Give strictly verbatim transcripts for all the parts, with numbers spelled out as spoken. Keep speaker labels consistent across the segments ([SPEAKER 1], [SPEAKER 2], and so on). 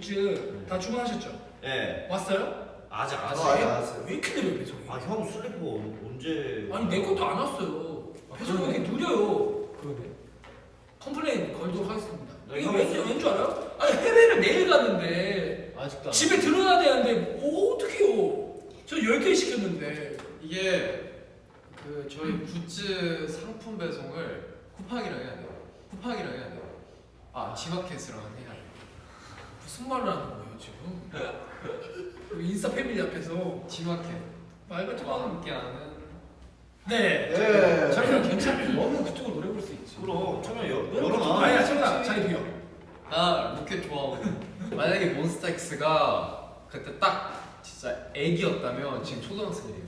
[SPEAKER 1] 굿즈 다 주문하셨죠?
[SPEAKER 2] 네.
[SPEAKER 1] 왔어요?
[SPEAKER 2] 아직 안
[SPEAKER 3] 어, 아직
[SPEAKER 2] 왔어요.
[SPEAKER 3] 안 왔어요.
[SPEAKER 1] 왜 이렇게 느려요 배송이?
[SPEAKER 2] 아 형 슬리퍼 언제?
[SPEAKER 1] 아니 내 것도 안 왔어요. 배송이 왜 이렇게 느려요? 그러네. 컴플레인 걸도록 하겠습니다.
[SPEAKER 2] 네,
[SPEAKER 1] 이거
[SPEAKER 2] 형.
[SPEAKER 1] 왠지 왠줄 알아요? 아니 해외를 내일 갔는데
[SPEAKER 4] 아직도 안
[SPEAKER 1] 집에 들어가야 되는데 뭐 어떡해요? 저 열 개 시켰는데.
[SPEAKER 4] 이게 그 저희 굿즈 상품 배송을 쿠팡이랑 해야 돼요. 쿠팡이랑 해야 돼요. 아 지마켓이랑 해야 돼요.
[SPEAKER 1] 무슨 말을 하는 거예요 지금? 인싸 패밀리 앞에서
[SPEAKER 4] 지마켓
[SPEAKER 1] 말 같지
[SPEAKER 4] 와
[SPEAKER 1] 마.
[SPEAKER 4] 함께하는
[SPEAKER 1] 네.
[SPEAKER 3] 네.
[SPEAKER 1] 자리가 괜찮아. 너무 그쪽으로 노래 부를 수 있지.
[SPEAKER 2] 그럼 처음에 여
[SPEAKER 1] 아니야,
[SPEAKER 2] 열어놔.
[SPEAKER 1] 청아 자리 비어.
[SPEAKER 4] 나 로켓 좋아하고 만약에 몬스타엑스가 그때 딱 진짜 애기였다면 지금 초등학생이에요.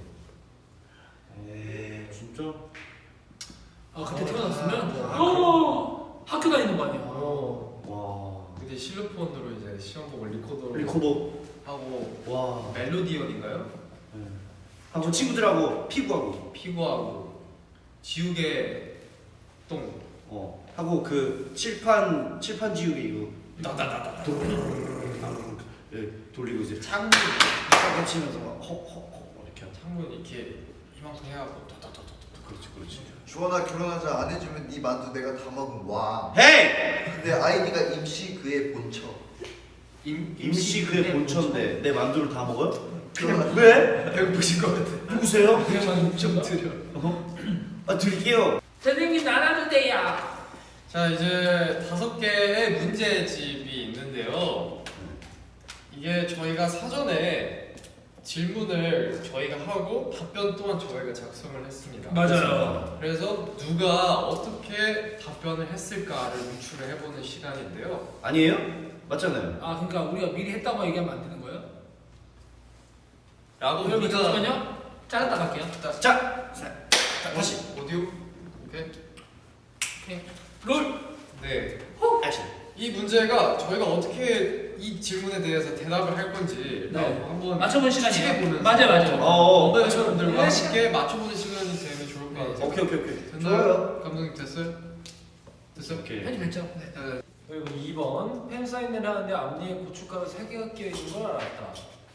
[SPEAKER 2] 에이 진짜?
[SPEAKER 1] 아 그때 태어났으면
[SPEAKER 3] 아,
[SPEAKER 1] 어, 학교 다니는 거 아니야.
[SPEAKER 4] 어.
[SPEAKER 2] 와.
[SPEAKER 4] 근데 실로폰으로 이제 시험 보고 리코더로
[SPEAKER 2] 리코더.
[SPEAKER 4] 하고
[SPEAKER 2] 와.
[SPEAKER 4] 멜로디언인가요?
[SPEAKER 2] 네. 하고 친구들하고 피구하고.
[SPEAKER 4] 피구하고 지우개 똥
[SPEAKER 2] 어. 하고 그 칠판 칠판 지우개 이거 따다다다 예 돌리고 이제
[SPEAKER 4] 창문
[SPEAKER 2] 딱 치면서 막 헉헉헉 이렇게 하고.
[SPEAKER 4] 창문 이렇게 이만큼 해갖고 도도도도도
[SPEAKER 2] 그렇지 그렇지.
[SPEAKER 3] 주원아 결혼하자 안 해주면 네 만두 내가 다 먹은 와.
[SPEAKER 2] 헤이!
[SPEAKER 3] 근데 아이디가 임시 그의 본처.
[SPEAKER 4] 임
[SPEAKER 2] 임시 그의 본처인데 내 만두를 다 먹어요?
[SPEAKER 3] 그냥
[SPEAKER 2] 왜?
[SPEAKER 4] 배고프신 것 같아.
[SPEAKER 2] 누구세요?
[SPEAKER 1] 그냥 좀 드려.
[SPEAKER 2] 어? 아 드릴게요.
[SPEAKER 1] 선생님 나눠도 돼요.
[SPEAKER 4] 자 이제 다섯 개의 문제집이 있는데요. 이게 저희가 사전에 질문을 저희가 하고 답변 또한 저희가 작성을 했습니다.
[SPEAKER 1] 맞아요.
[SPEAKER 4] 그래서 누가 어떻게 답변을 했을까를 유추를 해보는 시간인데요.
[SPEAKER 2] 아니에요? 맞잖아요.
[SPEAKER 1] 아 그러니까 우리가 미리 했다고 얘기하면 안 되는 거예요?
[SPEAKER 4] 라고
[SPEAKER 1] 여러분
[SPEAKER 4] 우리가
[SPEAKER 1] 잠시만요. 잘랐다 갈게요.
[SPEAKER 4] 자,
[SPEAKER 2] 자,
[SPEAKER 4] 자, 다시 오디오. 오케이.
[SPEAKER 1] 오케이. 롤.
[SPEAKER 4] 네.
[SPEAKER 2] 액션.
[SPEAKER 4] 이 문제가 저희가 어떻게 이 질문에 대해서 대답을 할 건지
[SPEAKER 1] 네.
[SPEAKER 4] 한번
[SPEAKER 1] 맞춰보는 시간이에요.
[SPEAKER 4] 추측해보면서
[SPEAKER 1] 맞아요, 맞아요.
[SPEAKER 2] 어,
[SPEAKER 4] 원더
[SPEAKER 2] 어.
[SPEAKER 4] 여러분들과
[SPEAKER 1] 네,
[SPEAKER 4] 함께 맞춰보는 시간이 되면 좋을 것 같아요.
[SPEAKER 2] 오케이 오케이 오케이.
[SPEAKER 4] 됐나요?
[SPEAKER 3] 좋아요.
[SPEAKER 4] 감독님 됐어요? 됐어요?
[SPEAKER 2] 오케이.
[SPEAKER 1] 편집했죠? 네.
[SPEAKER 4] 네.
[SPEAKER 5] 그리고 이 번 팬사인회를 하는데 앞니에 고춧가루 세 개가 끼어 있는 걸 알았다.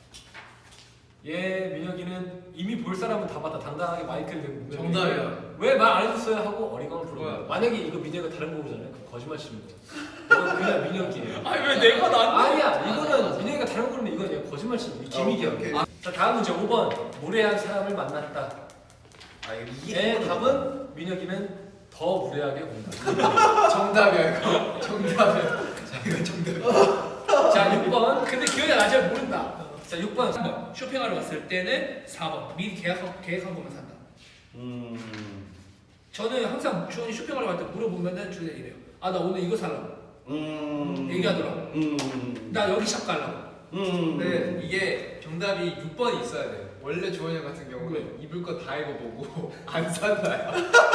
[SPEAKER 5] 얘 민혁이는 이미 볼 사람은 다 봤다. 당당하게 마이크를 대고 분명히
[SPEAKER 4] 정답이야.
[SPEAKER 5] 왜 말 안 해줬어요 하고 어리광을 부르는
[SPEAKER 4] 뭐야?
[SPEAKER 5] 거야. 만약에 이거 민혁이가 다른 거 보잖아요. 그럼 거짓말 치는 거야. 이건 그냥 민혁이에요.
[SPEAKER 1] 아니 왜 내가 나?
[SPEAKER 5] 아니야.
[SPEAKER 4] 맞아,
[SPEAKER 5] 이거는
[SPEAKER 4] 맞아.
[SPEAKER 5] 민혁이가 다른 거 부르면 이건 그냥 거짓말 치는 거야.
[SPEAKER 3] 아,
[SPEAKER 5] 기믹이야.
[SPEAKER 3] 오케이, 오케이.
[SPEAKER 5] 아, 자 다음 문제 오 번 무례한 사람을 만났다.
[SPEAKER 2] 아 이게
[SPEAKER 5] 얘 답은 민혁이는 더 무례하게 본다.
[SPEAKER 4] 정답이야 이거. 정답이야. 자 이거 정답.
[SPEAKER 1] 자 육 번. 근데 기억이 나지 모른다. 자 육 번. 삼 번. 쇼핑하러 갔을 때는 사 번. 미리 계약한 계획한 것만 산다.
[SPEAKER 2] 음.
[SPEAKER 1] 저는 항상 주원이 쇼핑하러 갈 때 물어보면은 주원이 이래요. 아 나 오늘 이거 살라고.
[SPEAKER 2] 음.
[SPEAKER 1] 얘기하더라고.
[SPEAKER 2] 음.
[SPEAKER 1] 나 여기 샵 가려고.
[SPEAKER 2] 음.
[SPEAKER 4] 근데 이게 정답이 육 번이 있어야 돼요. 원래 조원이 형 같은 경우는
[SPEAKER 1] 왜?
[SPEAKER 4] 입을 거 다 입어보고 안 산다요.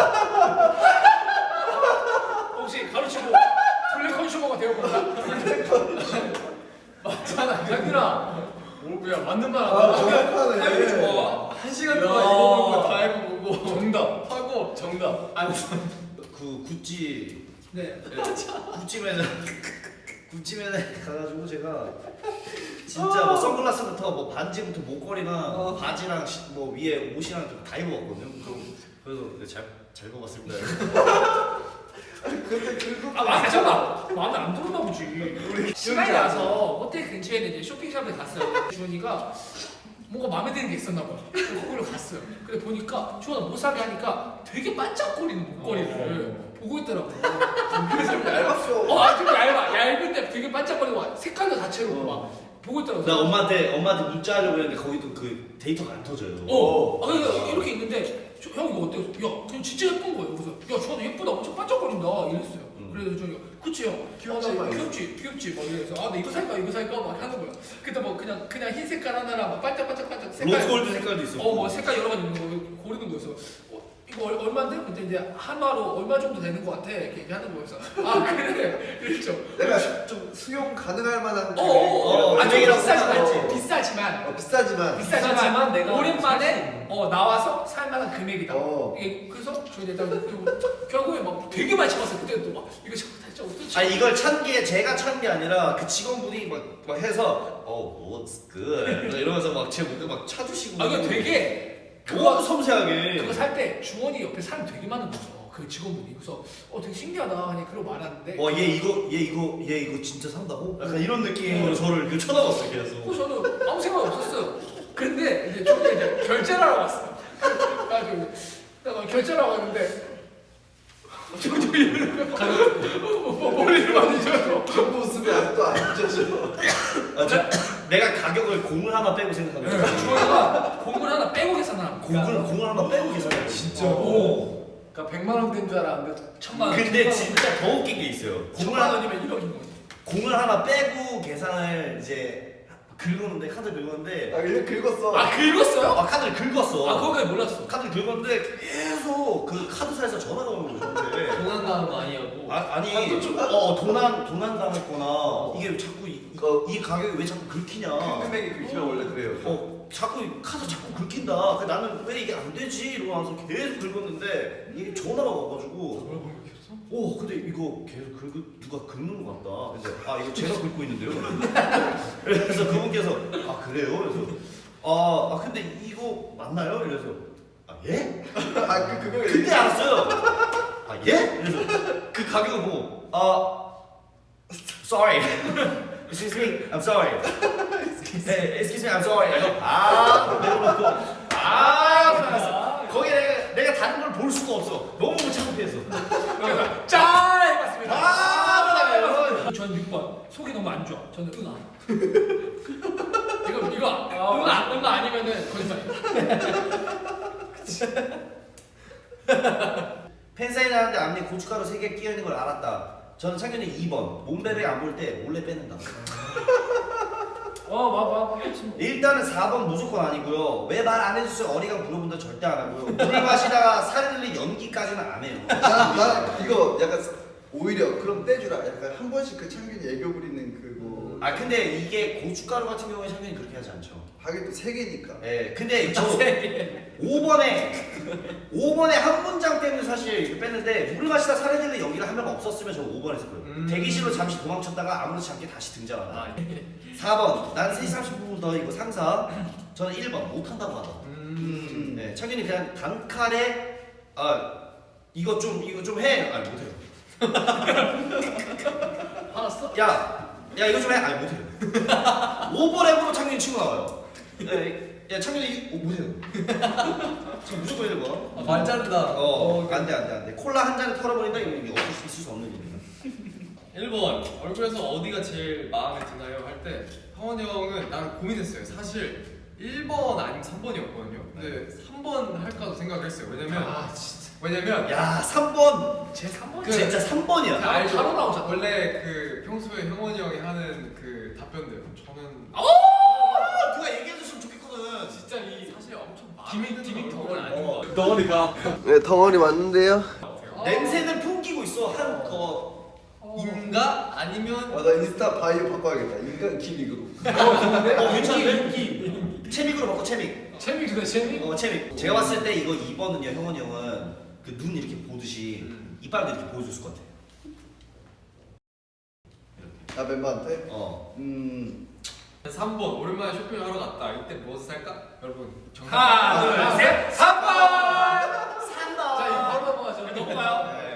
[SPEAKER 1] 혹시 가르치고 블랙 컨슈머가 되어본다.
[SPEAKER 4] 맞잖아.
[SPEAKER 5] 장균아. 오야 맞는 말
[SPEAKER 3] 아
[SPEAKER 5] 안 해.
[SPEAKER 3] 정확하네.
[SPEAKER 4] 좋아. 한 시간
[SPEAKER 5] 야.
[SPEAKER 4] 동안 입어본 거 다 입어보고
[SPEAKER 5] 정답.
[SPEAKER 4] 하고
[SPEAKER 5] 정답.
[SPEAKER 4] 안 산.
[SPEAKER 2] 그 구찌
[SPEAKER 1] 네.
[SPEAKER 2] 구찌 매장 구찌 매장 가가지고 제가 진짜 뭐 선글라스부터 뭐 반지부터 목걸이랑
[SPEAKER 4] 어.
[SPEAKER 2] 바지랑 시- 뭐 위에 옷이랑 좀 다 입어봤거든요. 그래서 잘잘 입어봤습니다.
[SPEAKER 3] 근데 그거
[SPEAKER 1] 아 맞잖아. 마음에 안 들었나 보지. 시간이 나서 호텔 근처에 있는 이제 쇼핑샵에 갔어요. 주원이가 뭔가 마음에 드는 게 있었나 봐. 그래서 거기로 갔어요. 근데 보니까 주원아 못 사게 하니까 되게 반짝거리는 목걸이를 보고 있더라고. 그래서
[SPEAKER 3] 좀 얇았어.
[SPEAKER 1] 어, 아, 좀 얇아. 얇은데 되게 반짝거리고 막 색깔도 다채롭고 막 보고 있더라고.
[SPEAKER 2] 나 엄마한테 엄마한테 문자하려고 했는데 거기도 그 데이터가 안 터져요.
[SPEAKER 1] 어, 아, 그러니까 이렇게 있는데 저, 형 이거 어때요? 야, 그냥 진짜 예쁜 거예요. 그래서 야, 저도 예쁘다, 엄청 반짝거린다 이랬어요.
[SPEAKER 2] 음.
[SPEAKER 1] 그래서 저기 그치 형,
[SPEAKER 3] 귀엽지,
[SPEAKER 1] 아, 나
[SPEAKER 3] 막
[SPEAKER 1] 귀엽지, 귀엽지 막 이래서 아, 나 이거 살까, 이거 살까 막 하는 거야. 근데 뭐 그냥 그냥 흰 색깔 하나랑 막 반짝반짝반짝 색깔.
[SPEAKER 2] 로즈골드 색깔도 있어.
[SPEAKER 1] 어, 뭐 색깔 여러 가지 있는 거 고르는 거였어. 어, 이거 얼- 얼마인데? 근데 이제 한화로 얼마 정도 되는 것 같아 이렇게 얘기하는 거여서 아 그래 이랬죠.
[SPEAKER 3] 내가 좀 수용 가능할 만한
[SPEAKER 1] 어어어
[SPEAKER 2] 어,
[SPEAKER 1] 아주
[SPEAKER 2] 금액이라고
[SPEAKER 1] 비싸지만
[SPEAKER 2] 생각하지.
[SPEAKER 1] 비싸지만
[SPEAKER 3] 어, 비싸지만
[SPEAKER 1] 비싸지만
[SPEAKER 5] 비싸지만 내가
[SPEAKER 1] 오랜만에 어 나와서 살만한 금액이다.
[SPEAKER 3] 어.
[SPEAKER 1] 이게 그래서 저희 일단 결국- 결국에 막 되게 많이 참았어요. 그때 또 막 이거 진짜 어떻게
[SPEAKER 2] 아니 이걸 찬 게 제가 찬 게 아니라 그 직원분이 막, 막 해서 어 looks good 이러면서 막 제 목에 막 차주시고.
[SPEAKER 1] 아 이거 되게
[SPEAKER 2] 너무
[SPEAKER 1] 그거
[SPEAKER 2] 섬세하게.
[SPEAKER 1] 그거 살 때 주원이 옆에 사람 되게 많은 거죠. 그 직원분이 그래서 어 되게 신기하다 그냥 그러고 말하는데
[SPEAKER 2] 어 얘 이거 얘 이거 얘 이거 진짜 산다고? 약간 이런 느낌으로 저를 그 쳐다봤어요 계속.
[SPEAKER 1] 어, 저는 아무 생각 없었어요. 근데 이제 저기 이제 결제를 하러 왔어요. 그래가지고 내가 결제를 하러 왔는데 저기 저기 이러는 거 뭐, 머리를 만지셔서
[SPEAKER 3] 그 모습이 아직도 안 잊혀져.
[SPEAKER 2] 아, 저, 내가 가격을 공을 하나 빼고 생각합니다.
[SPEAKER 1] 주원이가 공을 하나 빼고 계산하는 거야.
[SPEAKER 2] 공을 공을 하나 빼고 계산해요.
[SPEAKER 5] 진짜.
[SPEAKER 2] 오.
[SPEAKER 5] 그러니까 백만 원 된 줄 알았는데
[SPEAKER 1] 천만 원.
[SPEAKER 2] 근데
[SPEAKER 1] 천만 원.
[SPEAKER 2] 진짜 더 웃긴 게 있어요. 공을
[SPEAKER 1] 천만
[SPEAKER 2] 하나
[SPEAKER 1] 원이면 일억인 거지.
[SPEAKER 2] 공을 하나 빼고 계산을 이제 긁었는데 카드 긁었는데
[SPEAKER 3] 아 이거 긁었어.
[SPEAKER 1] 아 긁었어요?
[SPEAKER 2] 아 카드를 긁었어.
[SPEAKER 1] 아 그거까지 몰랐어.
[SPEAKER 2] 카드를 긁었는데 계속 그 카드사에서 전화가 오는 거예요 저한테.
[SPEAKER 4] 도난 당한 거 아니냐고.
[SPEAKER 2] 아, 아니 어 도난 도난 당했거나 이게 왜 자꾸 이, 이거 이 가격이 왜 자꾸 긁히냐.
[SPEAKER 3] 큰 금액이 긁히면 원래 그래요.
[SPEAKER 2] 어 자꾸 카드 자꾸 긁힌다. 그 나는 왜 이게 안 되지 이러면서 계속 긁었는데 이게 전화가 와가지고. 오 근데 이거 계속 긁 누가 긁는 것 같다. 그래서 아 이거 제가 긁고 있는데요. 그래서 그분께서 아 그래요? 그래서 아, 아 근데 이거 맞나요? 이래서 아 예?
[SPEAKER 3] 아그 그거
[SPEAKER 2] 그때 알았어요. 아 예? 그래서 그 가격을 보고 아 sorry. Excuse me, I'm sorry. 네, excuse me, I'm sorry. 그래서 아 내려놓고 아 알았어. 거기 내가 내가 다른 걸 볼 수가 없어. 너무 창피해서.
[SPEAKER 1] 짠 해봤습니다.
[SPEAKER 2] 아,
[SPEAKER 1] 저는 육 번 속이 너무 안 좋아. 저는 응아. 이거 이거 응아 응아 아니면은 거짓말이야.
[SPEAKER 2] 팬사인 하는데 앞니 고춧가루 세 개 끼어 있는 걸 알았다. 저는 창균이 이 번 몸베베 안 볼 때 몰래 빼낸다.
[SPEAKER 5] 어봐봐 봐.
[SPEAKER 2] 일단은 사 번 무조건 아니고요. 왜 말 안 해주세요? 어리광 물어본다 절대 안 하고요. 물 마시다가 살이 들린 연기까지는 안 해요.
[SPEAKER 3] 난, 난 이거 약간 오히려 그럼 떼주라. 약간 한 번씩 그 창균이 애교 부리는 그거.
[SPEAKER 2] 아 근데 이게 고춧가루 같은 경우에 창균이 그렇게 하지 않죠.
[SPEAKER 3] 하긴 또 세 개니까.
[SPEAKER 2] 예, 근데 저 오 번에 오 번에 한 문장 때문에 사실 이렇게 뺐는데 물을 마시다 살이 들린 연기를 한 명 없었으면 저 오 번 했을 거예요.
[SPEAKER 4] 음.
[SPEAKER 2] 대기실로 잠시 도망쳤다가 아무렇지 않게 다시 등장한다. 사 번 난 세 시 삼십 분 더 이거 상사. 저는 일 번 못한다고 하다.
[SPEAKER 3] 음.
[SPEAKER 2] 네, 창균이 그냥 단칼에 아 이거 좀 이거 좀 해. 아니 못해요.
[SPEAKER 1] 알았어?
[SPEAKER 2] 야, 야 이거 좀 해. 아니 못해요. 오버랩으로 창균이 치고 나와요. 네, 야 창균이 어, 못해요. 지금 무조건 해야 되고.
[SPEAKER 4] 아, 말 자른다.
[SPEAKER 2] 어, 안돼 안돼 안돼. 콜라 한 잔에 털어버린다 이거 이게 없을 수 있을 수 없는 일이야.
[SPEAKER 4] 일 번 얼굴에서 어디가 제일 마음에 드나요? 할 때 형원이 형은 난 고민했어요. 사실 일 번 아니면 삼 번이었거든요. 근데 삼 번 할까도 생각을 했어요. 왜냐면
[SPEAKER 1] 아 진짜.
[SPEAKER 4] 왜냐면
[SPEAKER 2] 야, 삼 번.
[SPEAKER 1] 제 삼 번.
[SPEAKER 4] 그-
[SPEAKER 2] 진짜 삼 번이야.
[SPEAKER 4] 그 알죠?
[SPEAKER 1] 바로 나오잖아.
[SPEAKER 4] 원래 그 평소에 형원이 형이 하는 그 답변들 저는
[SPEAKER 2] 아, 누가 얘기해 줬으면 좋겠거든.
[SPEAKER 1] 진짜 이
[SPEAKER 4] 사실 엄청 마음에
[SPEAKER 1] 기믹
[SPEAKER 4] 드는
[SPEAKER 1] 기믹
[SPEAKER 4] 얼굴은
[SPEAKER 1] 덕을
[SPEAKER 4] 아닌
[SPEAKER 2] 어.
[SPEAKER 4] 것 같아요.
[SPEAKER 5] 덩어리가.
[SPEAKER 3] 네 덩어리 맞는데요.
[SPEAKER 2] 냄새를 풍기고 있어. 한 거.
[SPEAKER 4] 인가 아니면
[SPEAKER 3] 아 나 인스타 바이오 바꿔야겠다. 인간 기믹으로.
[SPEAKER 2] 어, 괜찮은데? 채믹으로 바꿔 채믹.
[SPEAKER 1] 재미 그래 재미.
[SPEAKER 2] 어, 채믹. 제가 봤을 때 이거 이 번은요, 형원이 형은 그 눈 이렇게 보듯이
[SPEAKER 4] 음.
[SPEAKER 2] 이빨도 이렇게 보여줬을 것 같아.
[SPEAKER 3] 나 멤버한테.
[SPEAKER 2] 어.
[SPEAKER 3] 음.
[SPEAKER 4] 삼 번 오랜만에 쇼핑을 하러 갔다. 이때 무엇을 살까? 여러분 정답.
[SPEAKER 1] 하나 둘 셋. 삼 번.
[SPEAKER 2] 삼
[SPEAKER 1] 자 이거 바로 넘어가죠. 넘어가요.
[SPEAKER 2] 네.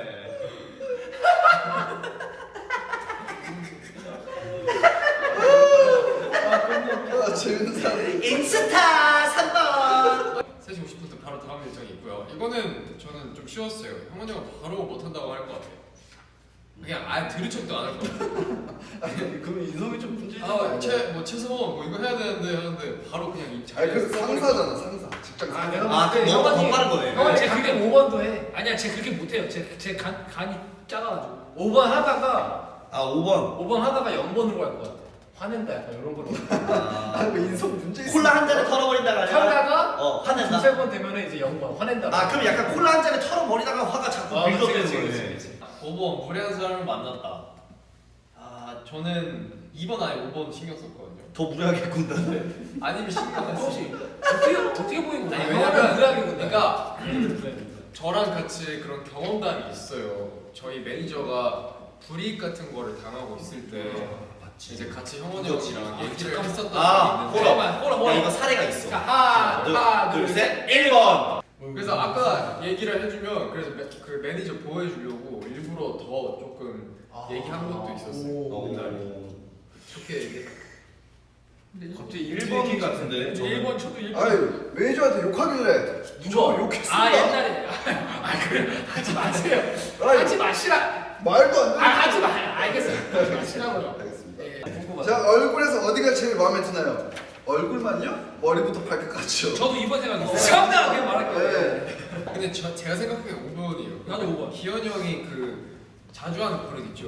[SPEAKER 3] 아 재밌는 사람.
[SPEAKER 2] 인스타 삼 번.
[SPEAKER 4] 세 시 오십 분 때 바로 다음 일정이 있고요. 이거는 저는 좀 쉬웠어요. 형원이 형은 바로 못한다고 할 것 같아요. 그냥 아예 들은 척도 안 할 것 같아요.
[SPEAKER 3] 아니 그럼 인성이 좀 문제지.
[SPEAKER 4] 아, 최, 뭐 최소원 뭐 이거 해야 되는데 하는데 바로 그냥 이
[SPEAKER 3] 아니
[SPEAKER 4] 자리에
[SPEAKER 3] 그 상사잖아 상사. 직장
[SPEAKER 1] 아,
[SPEAKER 3] 상사.
[SPEAKER 1] 내가
[SPEAKER 2] 아,
[SPEAKER 1] 봤을 때
[SPEAKER 2] 너무 더
[SPEAKER 1] 형원이-
[SPEAKER 2] 빠른 거네.
[SPEAKER 1] 형원이
[SPEAKER 5] 제
[SPEAKER 1] 그게
[SPEAKER 5] 그게 오 번도 해.
[SPEAKER 1] 아니야 제 그렇게 못해요. 제제 간이 작아가지고.
[SPEAKER 5] 오 번 하다가
[SPEAKER 2] 아, 오 번.
[SPEAKER 5] 오 번 하다가 영 번으로 갈 것 같아. 화낸다 약간 이런 거로.
[SPEAKER 3] 아, 뭐 인성 문제 있어.
[SPEAKER 2] 콜라 한 잔에 털어버린다가 아니라
[SPEAKER 5] 털다가
[SPEAKER 2] 어 화낸다.
[SPEAKER 5] 두세 번 되면은 이제 영 번 화낸다.
[SPEAKER 2] 아 그럼 약간 콜라 한 잔에 털어버리다가 화가 자꾸
[SPEAKER 5] 아, 그치,
[SPEAKER 2] 빌드업되는
[SPEAKER 5] 그치,
[SPEAKER 2] 거네.
[SPEAKER 5] 그치, 그치.
[SPEAKER 4] 오 번 무례한 사람을 만났다. 아 저는 이 번 아니 오 번 신경 썼거든요.
[SPEAKER 2] 더 무례하게 군다네.
[SPEAKER 4] 아니면 신경 안 썼어.
[SPEAKER 1] 혹시 어떻게 어떻게 보이는 거야?
[SPEAKER 4] 아니,
[SPEAKER 5] 왜냐면
[SPEAKER 4] 왜냐면
[SPEAKER 5] 그러니까
[SPEAKER 4] 그러니까
[SPEAKER 5] 그래.
[SPEAKER 4] 저랑 같이 그런 경험담이 있어요. 저희 매니저가 불이익 같은 거를 당하고 있을 때 이제 같이 형원이 형이랑 얘기를
[SPEAKER 1] 잠깐만.
[SPEAKER 4] 했었던
[SPEAKER 2] 아,
[SPEAKER 4] 적이 있는데
[SPEAKER 1] 잠깐만, 꼬라
[SPEAKER 2] 야
[SPEAKER 1] 꼬라.
[SPEAKER 2] 이거 사례가 있어.
[SPEAKER 1] 자 하나 하나 둘 셋.
[SPEAKER 2] 일 번.
[SPEAKER 4] 그래서 아까 얘기를 해주면 그래서 매, 그 매니저 보여주려고 일부러 더 조금 얘기한 것도 있었어요.
[SPEAKER 2] 오.
[SPEAKER 4] 옛날에. 좋게 얘기.
[SPEAKER 2] 갑자기 일 번 같은데.
[SPEAKER 1] 일 번 저도 일 번.
[SPEAKER 3] 아유 매니저한테 욕하길래
[SPEAKER 1] 누가
[SPEAKER 3] 욕했습니다.
[SPEAKER 1] 아 옛날에 아 그래 하지 마세요.
[SPEAKER 3] 아유,
[SPEAKER 1] 하지 마시라.
[SPEAKER 3] 말도 안
[SPEAKER 1] 아
[SPEAKER 3] 돼.
[SPEAKER 1] 하지 마. 알겠어요. 하지 마시라고요.
[SPEAKER 3] 알겠습니다.
[SPEAKER 1] 예.
[SPEAKER 5] 궁금하다.
[SPEAKER 3] 자 얼굴에서 어디가 제일 마음에 드나요? 얼굴만요? 머리부터 발끝까지요.
[SPEAKER 1] 저도 이번 생각했어요.
[SPEAKER 3] 어.
[SPEAKER 1] 처음에 그냥 말할게요.
[SPEAKER 3] 네.
[SPEAKER 4] 근데 저, 제가 생각하기엔 오 번이에요.
[SPEAKER 1] 나도 오 번.
[SPEAKER 4] 기현이 형이 그 자주 하는 버릇 있죠.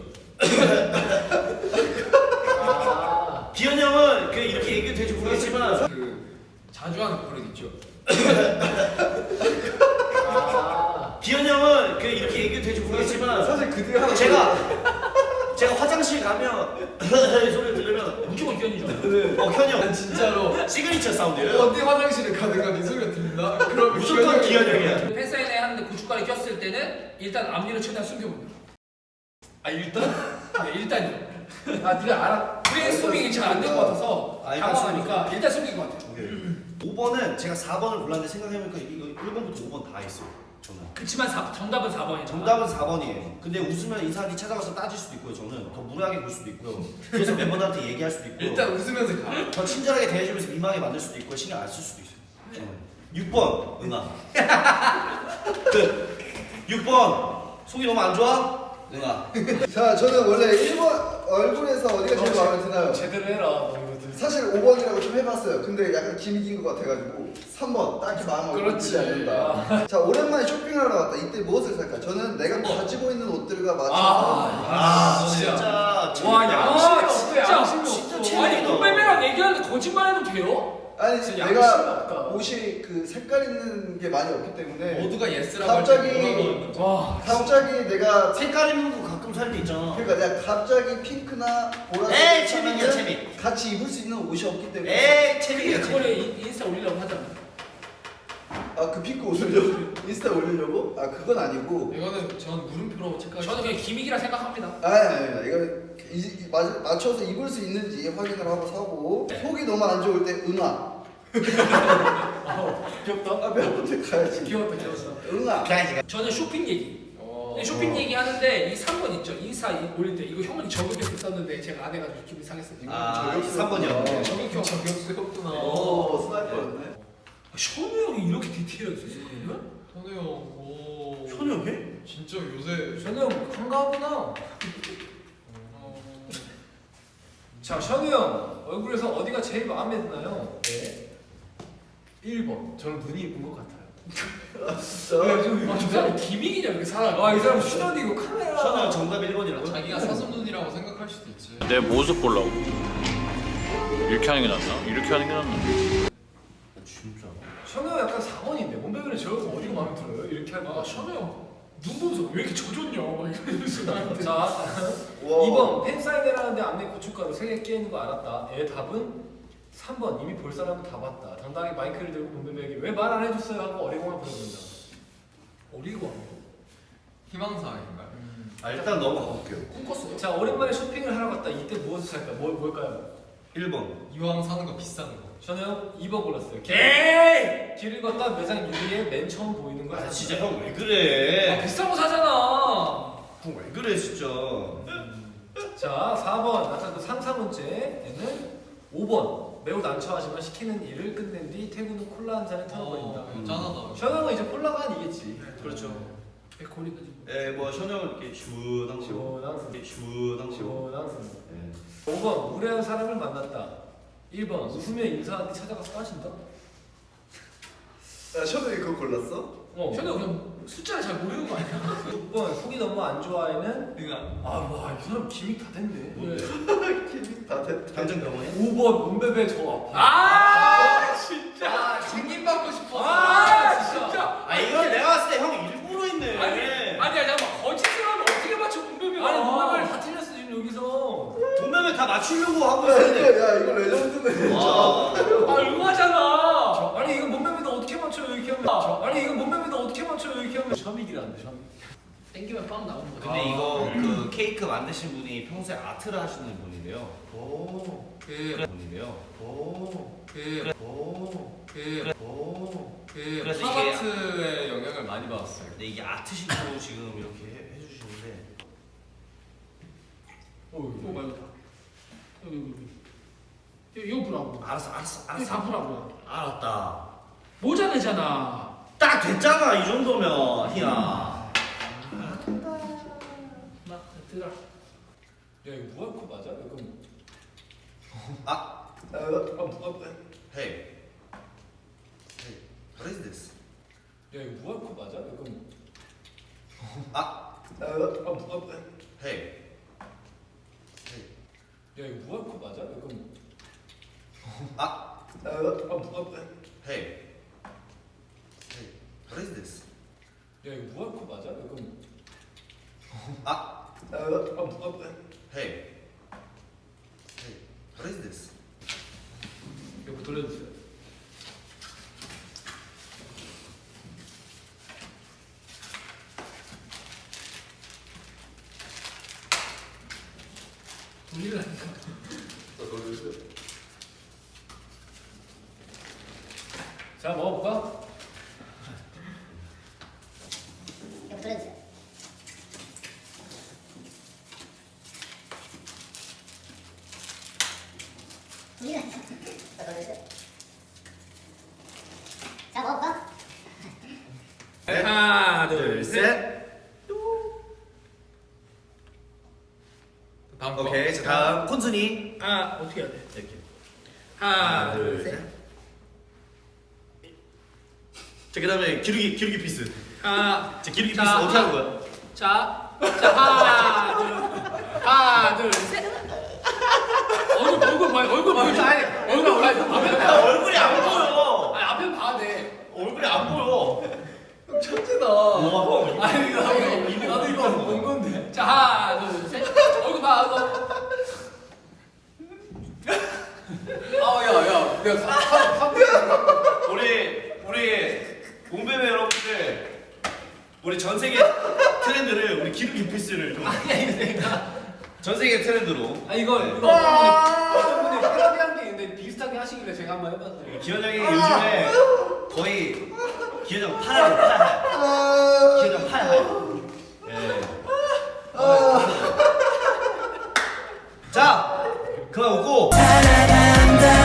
[SPEAKER 5] 아.
[SPEAKER 2] 기현 형은 그 이렇게 얘기도 될지 모르겠지만
[SPEAKER 4] 그 자주 하는 버릇 있죠.
[SPEAKER 5] 아.
[SPEAKER 2] 기현 형은 그 이렇게 얘기도 될지 모르겠지만
[SPEAKER 3] 사실 그 뒤에 하나
[SPEAKER 2] 제가 제가 화장실 가면 소리 들으면
[SPEAKER 1] 무조건 기현이죠.
[SPEAKER 2] 어 현이 형
[SPEAKER 4] 난 진짜로
[SPEAKER 2] 시그니처 사운드예요.
[SPEAKER 4] 어디 화장실에 가든가 네 소리가 들린다? 그럼
[SPEAKER 2] 무조건 기현 형이야.
[SPEAKER 1] 팬사인회 하는데 고춧가루 꼈을 때는 일단 앞니를 최대한 숨겨봅니다.
[SPEAKER 5] 아 일단?
[SPEAKER 1] 네 일단요.
[SPEAKER 5] 아 네가 알아.
[SPEAKER 1] 브레인스토밍이 잘 안 된 것 같아서
[SPEAKER 2] 아,
[SPEAKER 1] 당황하니까 일단 숨긴 것 같아요.
[SPEAKER 2] 오 번은 제가 사 번을 골랐는데 생각해보니까 이거 일 번부터 오 번 다 있어요. 저는.
[SPEAKER 1] 그치만 사, 정답은 사 번이죠.
[SPEAKER 2] 정답은 사 번이에요. 근데 웃으면 이사람이 찾아가서 따질 수도 있고요. 저는 더 무례하게 볼 수도 있고요. 그래서 멤버들한테 얘기할 수도 있고요.
[SPEAKER 4] 일단 웃으면서 가.
[SPEAKER 2] 더 친절하게 대해주면서 민망하게 만들 수도 있고 신경 안 쓸 수도 있어요. 저는. 육 번 은하. 그 육 번 속이 너무 안 좋아? 은하.
[SPEAKER 3] 자 저는 원래 일 번 얼굴에서 어디가 제일 마음에 드나요?
[SPEAKER 5] 제대로 해라. 너 이거 들-
[SPEAKER 3] 사실 오 번이라고 좀 해봤어요. 근데 약간 기믹인 것 같아가지고 삼 번 딱히 마음을
[SPEAKER 5] 그렇지.
[SPEAKER 3] 않는다. 자 오랜만에 쇼핑하러 나왔다. 이때 무엇을 살까? 저는 내가 가지고 있는 옷들과 맞춰서
[SPEAKER 2] 아
[SPEAKER 1] 진짜.
[SPEAKER 2] 진짜.
[SPEAKER 1] 와 양심이
[SPEAKER 5] 아,
[SPEAKER 1] 없어.
[SPEAKER 5] 진짜
[SPEAKER 1] 양심이
[SPEAKER 2] 진짜
[SPEAKER 1] 없어.
[SPEAKER 2] 체력이다.
[SPEAKER 1] 아니 몸매매랑 얘기하는데 거짓말해도 돼요?
[SPEAKER 3] 아니
[SPEAKER 5] 진짜
[SPEAKER 3] 내가
[SPEAKER 5] 양심이 없다.
[SPEAKER 3] 옷이 그 색깔 있는 게 많이 없기 때문에
[SPEAKER 4] 모두가 예스라고
[SPEAKER 3] 갑자기-
[SPEAKER 4] 할때 뭐라고
[SPEAKER 1] 와.
[SPEAKER 3] 갑자기 내가
[SPEAKER 2] 색깔 있는 거 가끔 살 때 있잖아.
[SPEAKER 3] 그러니까 내가 갑자기 핑크나 보라색
[SPEAKER 2] 에이 채민이야 채민.
[SPEAKER 3] 같이 입을 수 있는 옷이 없기 때문에
[SPEAKER 2] 에이
[SPEAKER 1] 그게
[SPEAKER 2] 채민이야
[SPEAKER 1] 그거를
[SPEAKER 2] 채민.
[SPEAKER 1] 인- 인스타 올리려고 하잖아.
[SPEAKER 3] 아 그 핑크 옷을요? 인스타 올리려고? 아 그건 아니고
[SPEAKER 4] 이거는 전 물음표로 체크하시
[SPEAKER 1] 저는 그냥 기믹이라 생각합니다.
[SPEAKER 3] 아니 아니 아니 이거 이, 이, 맞, 맞춰서 입을 수 있는지 확인을 하고 사고 속이 너무 안 좋을 때 응아
[SPEAKER 5] 어, 귀엽다.
[SPEAKER 3] 아 멤버들 가야지
[SPEAKER 1] 귀여웠다 귀여웠어.
[SPEAKER 3] 응아
[SPEAKER 2] 그냥
[SPEAKER 1] 저는 쇼핑 얘기.
[SPEAKER 4] 어.
[SPEAKER 1] 네, 쇼핑 얘기 하는데 이 삼 번 있죠. 인스타 이- 올릴 때 이거 형은 저격해서 썼는데 제가 안 해가지고 기분이 상했어요.
[SPEAKER 2] 아 삼 번이요.
[SPEAKER 1] 저격형.
[SPEAKER 4] 저격스럽구나.
[SPEAKER 3] 오 스나이퍼였네
[SPEAKER 1] 션우 형이 이렇게 디테일하게 썼어요?
[SPEAKER 4] 현우 형, 오.
[SPEAKER 2] 현우 형 해?
[SPEAKER 4] 진짜 요새
[SPEAKER 5] 션우 형 한가하구나.
[SPEAKER 4] 어,
[SPEAKER 5] 자 션우 형 얼굴에서 어디가 제일 마음에 드나요? 네. 일 번. 저는 눈이 이쁜 것 같아요.
[SPEAKER 3] 아 진짜?
[SPEAKER 1] 아, 저 사람 기믹이냐 이렇게 사람.
[SPEAKER 5] 아 이 사람 슈더디 이거 카메라.
[SPEAKER 2] 현우 형 정답 일 번이라고?
[SPEAKER 4] 자기가 사슴눈이라고 생각할 수도 있지.
[SPEAKER 6] 내 모습 보려고 이렇게 하는 게 낫나? 이렇게 하는 게 낫나?
[SPEAKER 2] 진짜.
[SPEAKER 5] 션우 형 약간 사 번인데 몸매그는 저 어디가 마음에 들어요? 이렇게 할
[SPEAKER 1] 아
[SPEAKER 5] 거.
[SPEAKER 1] 션우 형. 눈 보면서 왜 이렇게 젖었냐 막 이러면서 나한테.
[SPEAKER 5] 자
[SPEAKER 3] 와.
[SPEAKER 5] 이 번 팬사인회를 하는데 앞에 고춧가루 세 개 끼는 거 알았다. 얘 답은 삼 번 이미 볼 사람은 다 봤다. 당당하게 마이크를 들고 몸매에게 왜 말 안 해줬어요 하고 어리광을 보여준다.
[SPEAKER 1] 어리고
[SPEAKER 4] 희망사항인가요?
[SPEAKER 2] 아 일단 넘어가 볼게요.
[SPEAKER 1] 꿈꿨어요.
[SPEAKER 5] 자 오랜만에 쇼핑을 하러 갔다. 이때 무엇을 살까? 뭘 뭘까요?
[SPEAKER 2] 일 번.
[SPEAKER 4] 이왕 사는 거 비싼 거.
[SPEAKER 5] 저는 이 번 골랐어요. 길,
[SPEAKER 1] 에이!
[SPEAKER 5] 길을 걷다 매장 유리에 맨 처음 보이는 걸
[SPEAKER 2] 아
[SPEAKER 5] 샀다.
[SPEAKER 2] 진짜 형 왜
[SPEAKER 1] 아,
[SPEAKER 2] 그래?
[SPEAKER 1] 비싼 거 사잖아.
[SPEAKER 2] 형 왜 그래 진짜?
[SPEAKER 5] 자 사 번 아까 그 삼, 사 번째는 오 번 매우 난처하지만 시키는 일을 끝낸 뒤 퇴근 후 콜라 한 잔에 털어버린다.
[SPEAKER 4] 어, 짠하다.
[SPEAKER 5] 션형은 이제 콜라가 아니겠지.
[SPEAKER 2] 그렇죠.
[SPEAKER 1] 백골이가 지금.
[SPEAKER 2] 에뭐 현우 형 이렇게 시원한 거.
[SPEAKER 5] 시원한
[SPEAKER 2] 이렇게 시원한 거.
[SPEAKER 5] 시원한
[SPEAKER 2] 예.
[SPEAKER 5] 오 번 무례한 사람을 만났다. 일 번 웃으며 인사하는데 찾아가서 따진다.
[SPEAKER 3] 야 셔도 그거 골랐어?
[SPEAKER 5] 어.
[SPEAKER 1] 저는 그냥 숫자를 잘 모르는 거 아니야?
[SPEAKER 5] 육 번 속이 너무 안 좋아에는
[SPEAKER 4] 그러니까
[SPEAKER 5] 아와 이 사람 기믹 다 됐네.
[SPEAKER 3] 기믹 다 됐다.
[SPEAKER 2] 감정 병원에?
[SPEAKER 5] 오 번 문베베 저 아파.
[SPEAKER 1] 아 진짜 징임 받고 싶어. 아 진짜.
[SPEAKER 2] 아 이건 내가 봤을 때 형 일부러 했네.
[SPEAKER 1] 아니 아니 잠깐만 거짓을 하면 어떻게 맞춰 문베베가?
[SPEAKER 5] 아니 문베베를 다 틀렸어 지금 여기서.
[SPEAKER 2] 돈매면 다 맞추려고 하고
[SPEAKER 3] 야
[SPEAKER 2] 있었는데.
[SPEAKER 3] 이거 야 이거 레전드네.
[SPEAKER 2] 와.
[SPEAKER 1] 아 응하잖아.
[SPEAKER 5] 저, 아니 이거 문베베도 어떻게 맞춰요 이렇게 하면. 저, 아니 이거 문베베도 어떻게 맞춰요 이렇게 하면. 셔믹이라는데 셔믹.
[SPEAKER 1] 땡기면 빵 나오는 거야.
[SPEAKER 2] 근데 이거 그 케이크 만드신 분이 평소에 아트를 하시는 분인데요.
[SPEAKER 5] 오.
[SPEAKER 1] 그
[SPEAKER 2] 분인데요.
[SPEAKER 5] 오.
[SPEAKER 1] 그
[SPEAKER 5] 오.
[SPEAKER 1] 그
[SPEAKER 5] 오.
[SPEAKER 1] 그
[SPEAKER 2] 그래서 이게
[SPEAKER 4] 팝아트의 영향을 많이 받았어요.
[SPEAKER 2] 근데 이게 아트식으로 지금 이렇게 해, 해주시는데
[SPEAKER 5] 오.
[SPEAKER 1] 오 말고 다. 여기 여기 여기. 이거 보라고.
[SPEAKER 2] 알았어 알았어
[SPEAKER 1] 이거
[SPEAKER 2] 알았어
[SPEAKER 1] 다 보라고.
[SPEAKER 2] 알았다.
[SPEAKER 1] 모자 내잖아.
[SPEAKER 2] 딱 됐잖아 이 정도면 희야.
[SPEAKER 1] 나 들어.
[SPEAKER 5] 야 이거 무알코 맞아? 이거 뭐-
[SPEAKER 2] 아
[SPEAKER 3] 아,
[SPEAKER 5] 아, 무-
[SPEAKER 2] hey hey what is this?
[SPEAKER 5] 아, 야 이거 무알코 맞아? 이거 뭐-
[SPEAKER 2] 아
[SPEAKER 3] 아,
[SPEAKER 5] 아, 무-
[SPEAKER 2] hey hey
[SPEAKER 5] 야 이거 무알코 맞아? 이거 뭐-
[SPEAKER 2] 아
[SPEAKER 3] 아,
[SPEAKER 5] 아, 무-
[SPEAKER 2] hey hey what is this?
[SPEAKER 5] 야 이거 무알코 맞아? 이거 뭐-
[SPEAKER 2] 아
[SPEAKER 3] 아,
[SPEAKER 5] 아, 무-
[SPEAKER 2] hey hey what is this?
[SPEAKER 1] 이거 돌려주세요. 돌리라니까.
[SPEAKER 5] 자 먹어볼까?
[SPEAKER 7] 이거 들어주세요. 이거 들어주세요. 자, 먹어볼까?
[SPEAKER 1] 하나
[SPEAKER 2] 둘 셋.
[SPEAKER 4] 다음 거.
[SPEAKER 2] 오케이 자 다음 콘순이
[SPEAKER 1] 아 어떻게 해야 돼?
[SPEAKER 2] 이렇게
[SPEAKER 1] 하나
[SPEAKER 2] 둘
[SPEAKER 1] 둘
[SPEAKER 2] 셋.
[SPEAKER 1] 셋.
[SPEAKER 2] 자 그다음에 기르기 기르기 피스.
[SPEAKER 1] 하나
[SPEAKER 2] 자 기르기
[SPEAKER 1] 자,
[SPEAKER 2] 피스 어떻게 하는
[SPEAKER 1] 하-
[SPEAKER 2] 거야?
[SPEAKER 1] 자, 자 하나 둘 하나 둘 셋. 얼굴 얼굴 봐요. 얼굴 보여. 아니 얼굴 봐요. 앞에
[SPEAKER 2] 야
[SPEAKER 1] 봐.
[SPEAKER 2] 얼굴이 안 보여.
[SPEAKER 1] 아니 앞에 봐야 돼.
[SPEAKER 2] 얼굴이 안 보여.
[SPEAKER 5] 천재다.
[SPEAKER 2] 와.
[SPEAKER 5] 아니 이거 나도 이거 나도 이거 본 건데.
[SPEAKER 1] 자 하나 둘 셋. 얼굴 봐. 얼굴.
[SPEAKER 5] 아야야 내가 사- 사-
[SPEAKER 2] 우리 우리 몸베베 여러분들 우리 전 세계 트렌드를 우리 기르기 피스를 좀
[SPEAKER 1] 아니야 이거 내가.
[SPEAKER 2] 전 세계 트렌드로.
[SPEAKER 5] 아 이거 이거 어떤 분이 어떤 분이 패러디한 게 있는데 비슷하게 하시길래 제가 한번 해봤어요.
[SPEAKER 2] 기현 형이 요즘에 거의 기현 형 파라요 파라.
[SPEAKER 3] 아,
[SPEAKER 2] 기현 형 파라. 예. 자 그만 웃고.